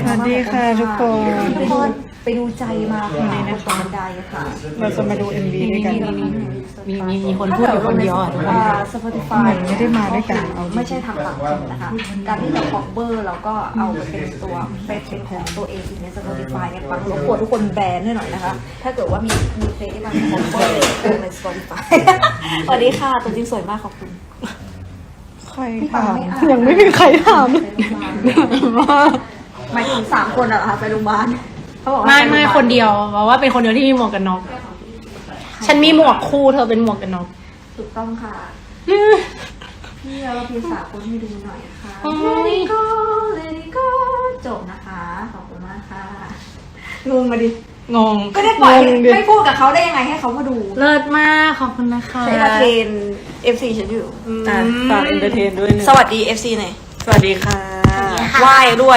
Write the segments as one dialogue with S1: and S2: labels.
S1: สวัสดีค่ะทุกคน
S2: ไปดูใจมาค่ะในตอนใดค่ะ
S1: เราจะมาดู MV ด้วยกัน
S3: มีคนพูดอยู่คนเดียวอ่ะทุกคน
S2: Spotify
S1: ไม่ได้มาด้วยกัน
S2: ไม่ใช่ทางหลักนะคะการที่เรา cover เราก็เอาไปเป็นตัวเป็นของตัวเองใน Spotify เนี่ยฟังรบกวนทุกคนแบนให้หน่อยนะคะ ถ้าเกิดว่ามีเพลงที่มัน cover ใน Spotify สวัสดีค่ะตัวจริงสวยมากขอบคุณ
S1: ใครถามยังไม่มีใครถามเลย
S2: หมายถึง3 คนเหรอคะไปโรงพยาบาลเขาบอกว่า
S3: ไม่คนเดียวเพราะว่าเป็นคนเดียวที่มีหมวกกันน็อกฉันมีหมวกคู่เธอเป็นหมวกกันน็อก
S2: ถูกต้องค่ะพี่เราพิมพ์สาคนให้ดูหน่อยค่ะ
S3: โอ้ย
S2: Let it go จบนะคะขอบคุณมากค่ะงงมาดิ
S3: งง
S2: ก็ได้ปล่อยไม่พูดกับเขาได้ยังไงให้เขามาดู
S3: เลิศมากขอบคุณนะคะ
S2: ใช้ละเทน FC ฉันอยู่
S1: ฝากเอนเตอร์เทนด้วยนะ
S2: สวัสดี FC หน่อย
S1: สวัสดีค่ะ
S2: ไหว้ด้วย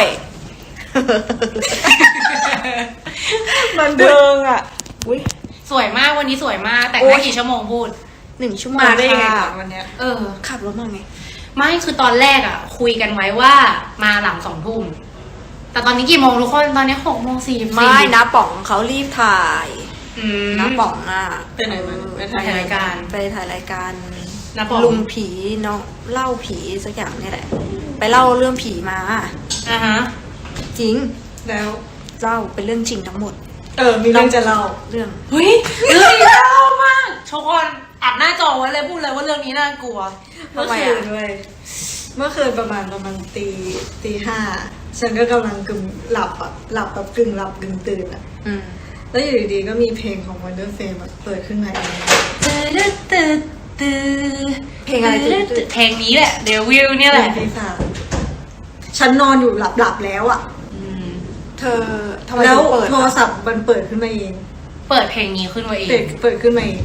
S1: มันเดิงอ่ะ
S2: อุ้ย
S3: สวยมากวันนี้สวยมากแต่ง
S2: โอ๊
S3: ได้
S2: ย
S3: กี่ชั่วโมงพูด
S2: 1 ชั่วโมง
S1: มาได้ยังไง
S2: ค่ะ
S1: ก่อนวันเนี้ย
S3: เออ
S2: ขับรถมาไง
S3: ไม่คือตอนแรกอ่ะ คุยกันไว้ว่ามาหลัง2 ทุ่มแต่ตอนนี้กี่โมงทุกคนตอนนี้6:44
S2: ไม่นะป๋องเขารีบถ่าย
S3: ม
S2: นะป๋องอ่ะ
S1: ไปไหนมาไป
S3: ถ่ายรายการ
S2: ไปถ่ายรายการ
S3: นะป๋อง
S2: ลุงผีเนาะเล่าผีสักอย่างนี่แหละ ไปเล่าเรื่องผีมา
S3: ฮะ
S2: จริง
S1: แล้ว
S2: เล่าเป็นเรื่องจริงทั้งหมด
S1: มีเรื่องจะเล่า
S2: เรื่อง
S3: เฮ้ยเรื่องนี้น่ากลัวมากทุกคนอัดหน้าจอไว้เลยพูดเลยว่าเรื่องนี้น่ากลัว
S1: เมื่อคืนด้วยเมื่อคืนประมาณตี 5ฉันก็กำลังกึ่งหลับอ่ะหลับแบบกึ่งหลับกึ่งตื่นอ่ะ
S2: อืม
S1: แล้วอยู่ดีๆก็มีเพลงของ Wonder Fame แบบเปิดขึ้นมาเอง
S2: เพลงอะไรตื่น
S3: เพลงนี้แหละเดวิลเนี่ยแหละ
S1: เพลงที่3ฉันนอนอยู่หลับแล้วอ่ะ
S2: เธอทำไม
S1: แล้ว
S2: ถึงเปิด
S1: โทรศัพท์มันเปิดขึ้นมาเอง
S3: เปิดเพลงนี้ขึ้นมาเอง
S1: เปิดขึ้นมาเอง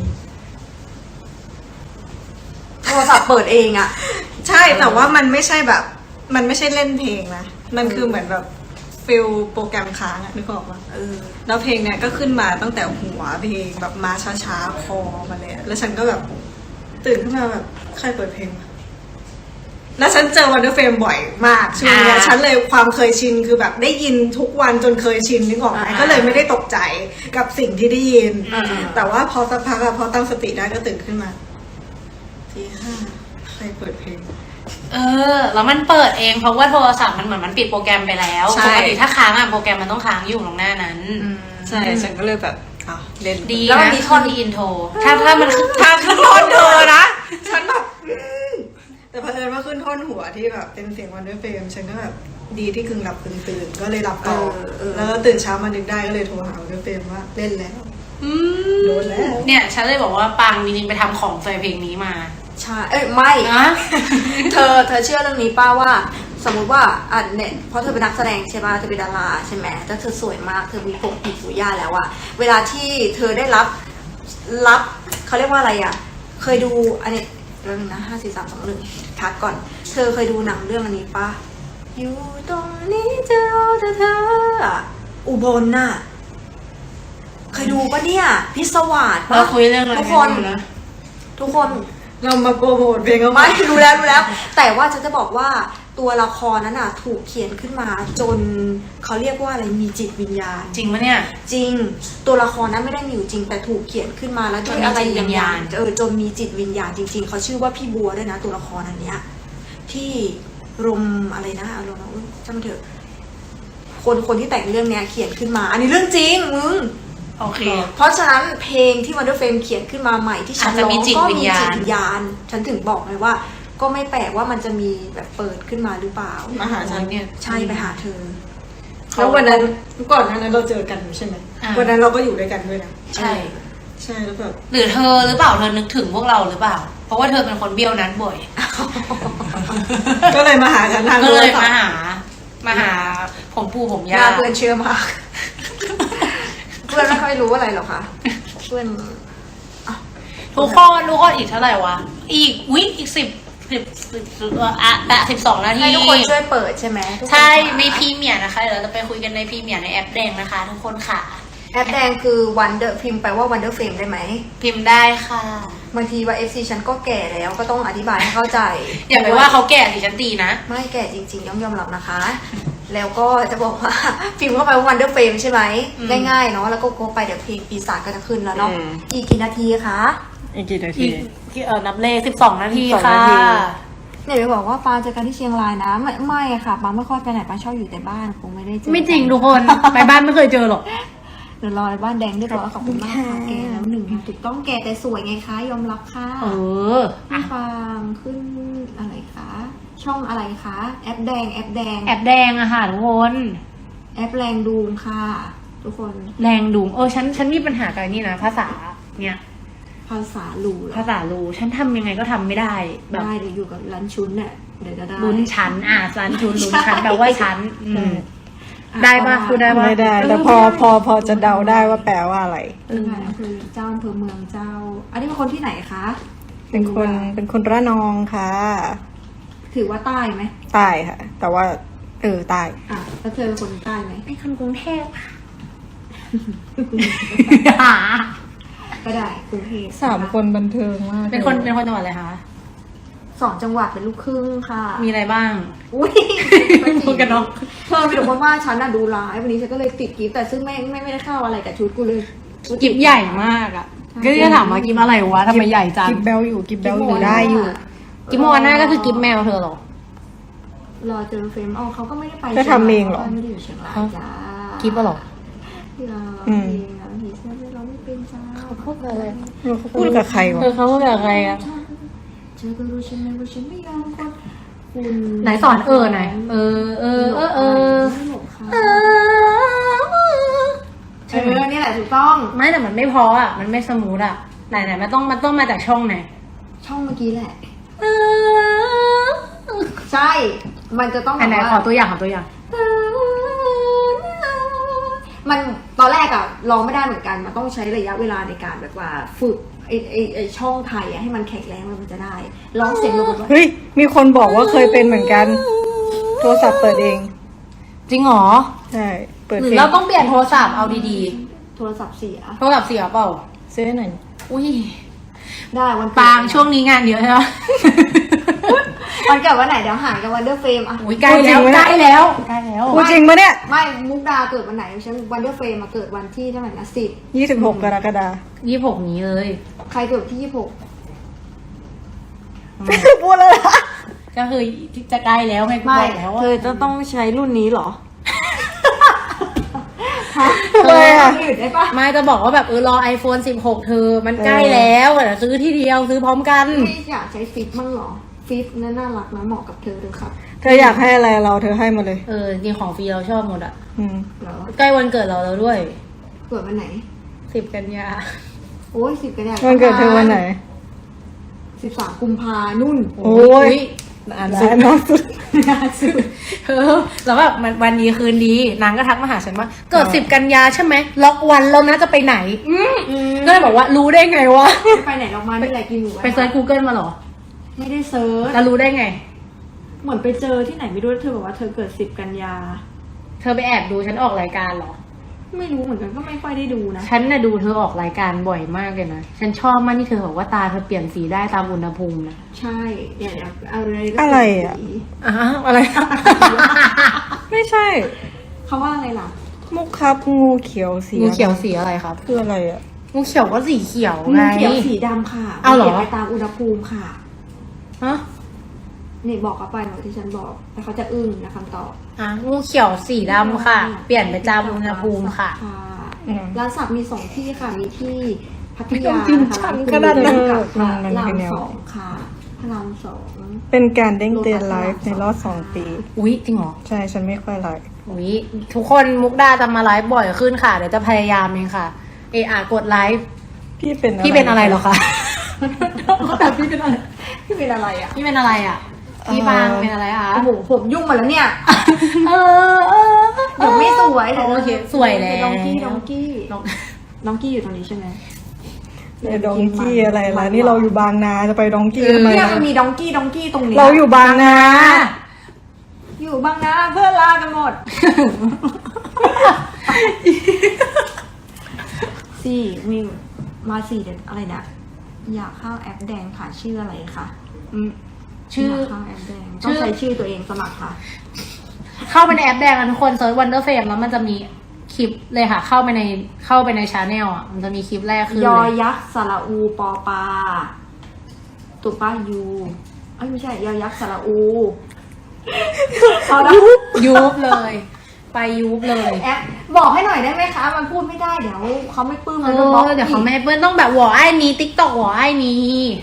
S2: โทรศัพท์เปิดเองอ่ะ
S1: ใช่แต่ว่ามันไม่ใช่แบบ มันไม่ใช่เล่นเพลงนะมันคือเหมือนแบบฟิลโปรแกรมค้างอะนึกออกปะ แล้วเพลงเนี้ยก็ขึ้นมาตั้งแต่หัวเพลงแบบมาช้าๆคอมาเลยอะแล้วฉันก็แบบตื่นขึ้นมาแบบใครเปิดเพลงวะแล้วฉันเจอวันเดอร์เฟรมบ่อยมากช่วงเนี้ยฉันเลยความเคยชินคือแบบได้ยินทุกวันจนเคยชินนึกออกไหมก็เลยไม่ได้ตกใจกับสิ่งที่ได้ยิน แต่ว่าพอสักพักอะพอตั้งสติได้ก็ตื่นขึ้นมาตี 5ใครเปิดเพลง
S3: แล้วมันเปิดเองเพราะว่าโทรศัพท์มันเหมือนมันปิดโปรแกรมไปแล้ว
S1: ใช่
S3: ปกติถ้าค้างอ่ะโปรแกรมมันต้องค้างอยู่ตรงหน้านั้น
S1: ใช่ฉันก็เลยแบบอ้าวเล่น
S3: ดี
S2: แล้วมัน
S3: นะ
S2: มีท่อน
S3: ที่อินโทรถ้ามัน
S1: ทางขึ้นท่อนเธอนะ ฉันแบบแต่เผอิญว่าขึ้นท่อนหัวที่แบบเป็นเสียงวันด้วยเฟรมฉันก็แบบดีที่กึ่งหลับกึ่งตื่นก็เลยหลับต่อแล้วตื่นเช้ามานึกได้ก็เลยโทรหาวันด้วยเฟรมว่าเล่นแล้วโดนแล้ว
S3: เนี่ยฉันเลยบอกว่าปังจริงๆไปทำของใส่เพลงนี้มา
S2: ใช่ไม่
S3: นะ
S2: เธอเชื่อเรื่องนี้ป้าว่า สมมุติว่าเนี่ยเพราะเธอเป็นนักแสดงใช่ป่ะเธอเป็นดาราใช่ไหมแล้วเธอสวยมากเธอมีผมผิวสุย่าแล้วอะเวลาที่เธอได้รับเขาเรียกว่าอะไรอะเคยดูอันนี้เรื่องนะ5 4 3 2 1พักก่อนเธอเคยดูหนังเรื่องอันนี้ป่ะอยู่ตรงนี้เจอเธออะอุบลน่ะเคยดูป่ะเนี่ยพิศวาส
S3: เรา
S2: ปะ
S3: คุยเรื่องอะไร
S2: ทุกคน
S3: กัอยู่นะ
S2: ทุกคน
S1: เรามาโปรโมทเพลงเขา
S2: ไม่รู้แล้วแต่ว่าฉันจะบอกว่าตัวละครนั้นน่ะถูกเขียนขึ้นมาจนเขาเรียกว่าอะไรมีจิตวิญญาณ
S3: จริงปะเนี่ย
S2: จริงตัวละครนั้นไม่ได้มีอยู่จริงแต่ถูกเขียนขึ้นมาแล้วด้วยอะไร
S3: จนมีจิตวิญญาณ
S2: จนมีจิตวิญญาณจริง ๆเขาชื่อว่าพี่บัวด้วยนะตัวละครอันเนี้ยที่รมอะไรนะอารมณ์อุ๊ยจำมันเถอะคนที่แต่งเรื่องเนี้ยเขียนขึ้นมา อันนี้เรื่องจริงมึง
S3: โอเค
S2: เพราะฉะนั้นเพลงที่วันเดอร์เฟรมเขียนขึ้นมาใหม่ที่ฉัน
S3: อาจจะ
S2: ร้อง
S3: มีจิต
S2: ก็
S3: วิ
S2: มี
S3: ญญาณ
S2: จิตวิญญาณ ฉันถึงบอกเลยว่า ก็ไม่แปลกว่ามันจะมีแบบเปิดขึ้นมาหรือเปล่า
S1: มาหาฉันเนี่ย
S2: ใช่ไปหาเธอ
S1: แล้ววันนั้นก่อนหน้านั้นเราเจอกันใช่ไหมวันนั้นเราก็อยู่ด้วยกันด้วยนะ
S3: ใช่
S1: ใช่แล้วแบบ
S3: หรือเธอหรือเปล่าเธอนึกถึงพวกเราหรือเปล่า เพราะว่าเธอเป็นคนเบี้ยวนัดบ่อย
S1: ก็เลยมาหาฉันทาง
S3: ก็
S1: โท
S3: เล
S1: ร
S3: ย
S1: ศัพ
S3: มา
S1: ท์
S3: หาผมปู่ผม
S2: ห
S3: ย่า
S2: น้าเพื่อนเชื่อมาก เพื่อนไม่ค่อยรู้อะไรหรอกค่ะเพื่อน
S3: ทุกคนอีกเท่าไหร่วะอีก12 นาที
S2: ให้ทุกคนช่วยเปิดใช่ไหมทุกคน
S3: ใช่
S2: ค่ะ
S3: ในพรีเมียร์นะคะเดี๋ยวเราจะไปคุยกันในพรีเมียร์ในแอปแดงนะคะ ทุกคนค่ะ
S2: แอปแดงคือ Wonder พิมพ์ไปว่า Wonder Fame ได้ไหม
S3: พิมพ์ได้ค่ะ
S2: บางทีว่า FC ฉันก็แก่แล้วก็ต้องอธิบายให้เข้าใจ
S3: อย่าไปว่าเขาแก่สิฉันตีนะ
S2: ไม่แก่จริงๆยอมรับนะคะแล้วก็จะบอกว่า พิมพ์เข้าไปว่า Wonder Frame ใช่ไหมง่ายๆเนาะแล้วก็กดไปเดี๋ยวเพลงปีศาจก็จะขึ้นแล้วเนาะอีกกี่นาทีคะ
S4: อีกกี่นาที
S3: นับเลข12 นาทีค่ะ
S4: 12 นาที
S2: เนี่ยไปบอกว่าปาเจอกันที่เชียงรายนะไม่ค่ะปาไม่ค่อยไปไหนปาชอบอยู่แต่บ้านคงไม่ได้เจอ
S3: ไม่จริงทุกคนไปบ้านไม่เคยเจอหรอก
S2: เดี๋ยวรอบ้านแดงเรียบร้อยขอบคุณมากค่ะแกแล้วหนึ่งถูกต้องแกแต่สวยไงคะยอมรับค่ะ พี่ฟางขึ้นอะไรคะช่องอะไรคะแอปแดง
S3: แอบแดงอะค่ะทุกคน
S2: แอปแรงดูมค่ะ ทุกคน
S3: แรงดุงฉันมีปัญหากับนี่นะภาษาเนี่ย
S2: ภาษาลูเหรอ
S3: ภาษารูฉันทำยังไงก็ทำไม่ได้แบบ
S2: ได้เดี๋ยวอยู่กับร้านชุนเนี่ยเดี๋ยวจะได้
S3: ลุ้นชั้นสันชุนลุ้นชั้นแปลว่าชั้นได้ปะพูดได้ปะ
S4: ไม่ได้แต่พอจะเดาได้ว่าแปลว่าอะไร
S2: ค่ะคือเจ้าอำเภอเมืองเจ้า อันนี้เป็นคนที่ไหนคะ
S4: เป็นคนระนองค่ะ
S2: ถือว่าใต้ไหม
S4: ใต้ค่ะ แต่ว่าใต้
S2: อ่ะแล้วเธอเป็นคนใต้ไหม
S3: เป็นคนกรุงเทพ
S2: ก็ได้กรุงเทพ
S4: 3 คนบันเทิงมาก
S3: เป็นคนจังหวัดอะไรคะ
S2: 2 จังหวัดเป็นลูกครึ่งค่ะ
S3: มีอะไรบ้าง
S2: อุ้ย
S3: พูดกันเนอะ
S2: เธอไปดูว่าฉันน่ะดูไลฟ์วันนี้ฉันก็เลยติดกิฟต์แต่ซึ่งไม่ได้เข้าอะไรกับชุดกูเลย
S3: กิบใหญ่มากอ่ะก็จะถามว่ากิบอะไรวะทำไมใหญ่จัง
S4: กิบเบลอยู่ได้อยู่
S3: กิบโมอาน่าก็คือกิบแมวเธอเหรอ
S2: รอเจอเฟรมเขาก็ไม่ได้ไป
S4: ก็ทำเองเหรอ
S2: ไม่ได้อยู่เชียงรายจ้า
S3: กิบอะเหรอ
S2: รอเองเราผีเสื้อเราไม่เป็นจ้า
S3: พูดอะไร
S4: เขาพูดกับใครวะ
S3: เขาพูดกับใครอะ
S2: เธอก็รู้ฉันไหมว่าฉันไม่ยอมคนคุณ
S3: ไหนสอนหน่อย
S2: ไม่หลบค่ะนี่แหละถูกต้อง
S3: ไม่แต่มันไม่พออ่ะมันไม่สมูทอ่ะไหนมันต้องมาจากช่องไหน
S2: ช่องเมื่อกี้แหละ ใช่ มันจะต้อง
S3: ไหนขอตัวอย่าง
S2: มันตอนแรกอะร้องไม่ได้เหมือนกัน มันต้องใช้ระยะเวลาในการแบบว่าฝึกไอช่องไทยอะให้มันแข็งแรงแล้วมันจะได้ร้องเสียงแบบว่า
S4: เฮ้ยมีคนบอกว่าเคยเป็นเหมือนกัน โทรศัพท์เปิดเอง
S3: จริงเหรอ
S4: ใช่เปิด
S3: หรือ
S4: เพลง
S3: เราต้องเปลี่ยนโทรศัพท์เอาดี
S2: โทรศัพท์เสีย
S3: ๆโทรศัพท์เสียเปล่า
S4: ซื้อให้หน่อย
S3: อุ้ย
S2: ได้วัน
S3: ปางช่วงนี้งานเยอะใช่ไหม
S2: วันเกิดวันไหนเดี๋ยวหายกับวันเดอร์เฟรมอะ
S3: อุ้ยใกล้แล้ว
S4: พูดจริงปะเนี่ย
S2: ไม่มุกดาเกิดวันไหนฉันวันเดอร์เฟรมมาเกิดวันที่เท่าไหร่นะ
S4: 26 กรกฎาคม
S3: 26นี้เลย
S2: ใครเกิดที่26
S4: พูดแล้วนะ
S3: ก็คือจะใกล้แล้วไงกู
S2: ไม่
S3: บอกแล้ว
S2: เธอจะต้องใช้รุ่นนี้เหรอ
S4: ทำไมอะ
S2: อื่นได้ปะ
S3: ไม่จะบอกว่าแบบรอ iPhone 16 เธอมันใกล้แล้วแต่ซื้อที่เดียวซื้อพร้อมกัน
S2: ไม่อยากใช้ฟิปมั่งเหรอ ฟิปน่ารักนะเหมาะกับเธอเลยครับ
S4: เธออยากให้อะไรเราเธอให้มาเลย
S3: จริงของฟรีเราชอบหมดอ่ะ
S4: อืม
S2: เหรอ
S3: ใกล้วันเกิดเราแล้วด้วย
S2: เกิดวันไหน
S3: 10 กันยา
S2: โอ้ย10 กันยายน
S4: วันเกิดเธอวันไหน
S2: 13 กุมภานุ่น
S4: โอ้ย
S3: อ่าน
S4: สุดน้องสุด
S3: แล้วแบบวันนี้คืนดีนางก็ทักมาหาฉันว่าเกิด10 กันยาใช่ไหมล็อกวันแล้วนะจะไปไหนก็เลยบอกว่ารู้ได้ไงวะ
S2: ไม่ไปไหนออกมาไม่ไรกินหมู
S3: ไปเซิร์ช Google มาเหรอ
S2: ไม่ได้เซิร์ช
S3: แล้วรู้ได้ไง
S2: เหมือนไปเจอที่ไหนไม่รู้เธอบอกว่าเธอเกิด10 กันยา
S3: เธอไปแอบดูฉันออกรายการเหรอ
S2: ไม่รู้เหมือนกันก็ไม่ค่อยได้ดูนะ
S3: ฉันน่ะดูเธอออกรายการบ่อยมากเลยนะ ฉันชอบมากที่เธอบอกว่าตาเธอเปลี่ยนสีได้ตามอุณหภูมินะ
S2: ใช่เนี่ยอะไรก็
S4: อะไรอะ
S3: อะไร
S4: ไม่ใช่
S2: เขาว่าอะไรล่ะ
S4: มุกครับงูเขียวสี
S3: งูเขียวสีอะไรครับ
S4: คืออะไรอ่ะ
S3: งูเขียวก็สีเขียว
S2: งู
S3: ไง
S2: เขียวสีดำค่ะ
S3: เอาเหรอ
S2: ปลี่ยนไปตามอุณหภูมิค่ะ
S3: ฮะ
S2: นี่บอกเขาไปเหมือนที่ฉันบอกแล้วเขาจะอึ้งนะคำตอบ
S3: งูเขียวสีดำค่ะ เปลี่ยนไปตามอุณหภูมิค่ะ
S2: ร้านสักมี2 ที่ค่ะ มีที่พัท
S4: ไม่ต้
S2: ยา
S4: องจริงจังขนาดนั้น
S2: กับพระ
S4: มัน
S2: ราม
S4: เป็นแนว
S2: 2ค่ะพระราม2
S4: เป็นการเด้งเตือนไลฟ์ในรอบ2 ปี
S3: อุ๊ยจริงเหรอ
S4: ใช่ฉันไม่ค่อยไลฟ์
S3: อุ๊ยทุกคนมุกดาจะมาไลฟ์บ่อยขึ้นค่ะ เดี๋ยวจะพยายามเองค่ะกดไลฟ์
S4: พี่เป็น
S3: พี่เป็นอะไรเหรอคะแต่พี่เป็นอะไร
S2: ที่เป็นอะไรอ่ะ
S3: พี่เป็นอะไรอ่ะพี่บางเป็นอะไรคะ
S2: โอ้โหผมยุ่งหมาแล้วเนี่ยเดี๋ยวไม่สวย
S3: โอเคสวยแล้ว
S2: ดองกี้ดองกี้อยู่ตรงนี้ใช่ไหม
S4: ในดองกี้อะไรล่ะนี่เราอยู่บางนาจะไปดองกี้ทำไม
S2: เนี่ย
S4: ล่ะ
S2: มันมีดองกี้ตรงนี้
S4: เราอยู่บางนา
S2: อยู่บางนาเพื่อนลากันหมดสี่มีมา4 เดือนอะไรนะอยากเข้าแอปแดงค่ะชื่ออะไรคะ
S3: ชื่อ
S2: ยากเข้าแอปแดงต้องใช้ชื่อตัวเองสมัครค่ะ
S3: เข้าไปในแอปแดงนะทุกคนเซิร์ช Wonder Fame แล้วมันจะมีคลิปเลยค่ะ เข้าไปในชาแนลอ่ะมันจะมีคลิปแรกคือย
S2: อยักษ์สระอูปอปาถูกป่ะยูไม่ใช่ยอยักษ์สระอู
S3: ยุบเลย ไปยุบเลย
S2: แอปบอกให้หน่อยได้ไหมคะ มันพูดไม่ได้เดี๋ยวเขาไม่ปลื้มมันโดนบล็อก
S3: เดี๋ยวเขาไม่เปิ้ลต้องแบบหัวไอ้นี้ติ๊กตอกหัวไอ้นี้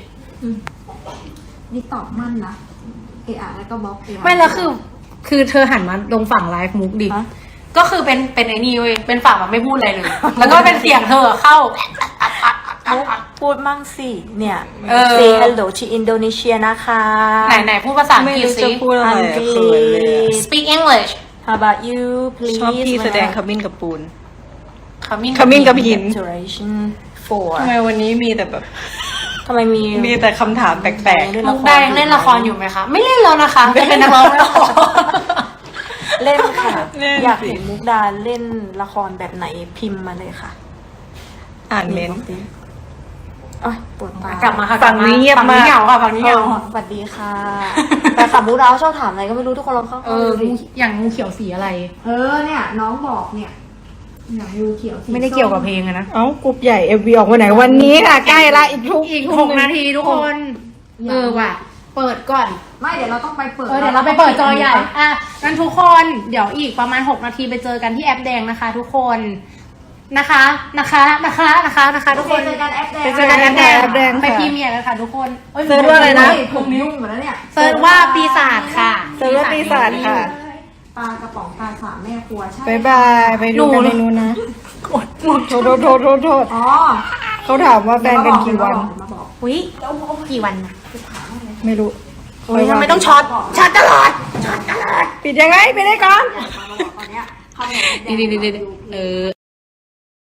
S2: นี่ตอบมั่นนะแล้วก็บล็อก
S3: ไม่แล้วคือเธอหันมาลงฝั่งไลฟ์มุกดิ
S2: ฮะ
S3: ก็คือเป็นไอ้นี่เว้ยเป็นฝั่งแบบไม่พูดอะไรเลย แล้วก็เป็นเสียงเธอเข้า
S2: พูดมั่งสิเนี่ย
S3: Say
S2: hello to Indonesia นะคะ
S3: ไหนพูดภาษาอัง
S4: ไม่
S3: กฤษ
S4: รู้
S3: สิ
S4: จะพูดอะไรอะเขินเลยอะ
S3: Speak English
S2: How about you please
S4: ชอบพี่แสดงขมิ้นกับปูน
S3: ขมิ้น
S4: ขมิ้นกับหิน
S2: Duration for
S4: ทำไมวันนี้มีแต่แบบ
S2: ทำไมมี
S4: มีแต่คำถามแปลก
S3: มุกได้ยังเล่นละครอยู่ไหมคะ ไม่เล่นแล้วนะคะจะเป็นนักร้องแล้ว
S2: เล่นค่ะ
S4: เล่นสิ
S2: อยากเห็นมุกดาเล่นละครแบบไหนพิมพ์มาเลยค่ะ
S4: ๆอ่านเมนต์
S2: โอ๊ยปวดตาก
S3: ลับมาค่ะ
S4: ฝั่งนี้เงียบมาก
S3: ฝั่งนี้เหงาค่ะฝั่งนี้เหงา
S2: สวัสดีค่ะ แต่ขับมุกดาชอบถามอะไรก็ไม่รู้ทุกคนลองเข้า
S3: อย่างงูเขียวสีอะไร
S2: เนี่ยน้องบอกเนี่ยอย่างงูเขียวสี
S3: ไม่ได้เกี่ยวกับเพลงอะนะ
S4: เอ้ากรุ๊ปใหญ่FVออกวันไหนวันนี้ค่ะใกล้ละอีก
S3: 6 นาทีทุกคน ว่ะ เปิดก่อน
S2: ไม่เดี๋ยวเราต้องไปเปิด
S3: เดี๋ยวเราไปเปิดจอใหญ่ งั้นทุกคนเดี๋ยวอีกประมาณ6 นาทีไปเจอกันที่แอปแดงนะคะ ทุกคนนะคะทุกคน
S2: เจอกันแอปแดง
S4: ไปเจอกันแอปแดง
S3: ไป
S4: ค่ะ
S3: พรีเมียร์กันค่ะทุกคน
S4: เซิร์ชว่าอะไรนะ
S2: ผมยุ่งหมดแล้วเนี่ย
S3: เซิร์ชว่าปีศาจค่ะ
S4: เซิร์ชว่าปีศาจค่ะ
S2: ปลากระป๋องปลาสามแม่ครัวใช่
S4: บายบายไปดูกันในนู้นนะโทษ
S2: อ๋อ
S4: เขาถามว่าแฟนกันกี่วัน
S2: มาบอก
S3: อุ้ยกี่วันนะ
S4: ไม่รู้
S3: ทำไมต้องช็อตตลอด
S4: ปิดยังไงไปได้ก่อน
S2: มาบอกตอนเนี้ยเข้าในแอปแดง
S3: ดี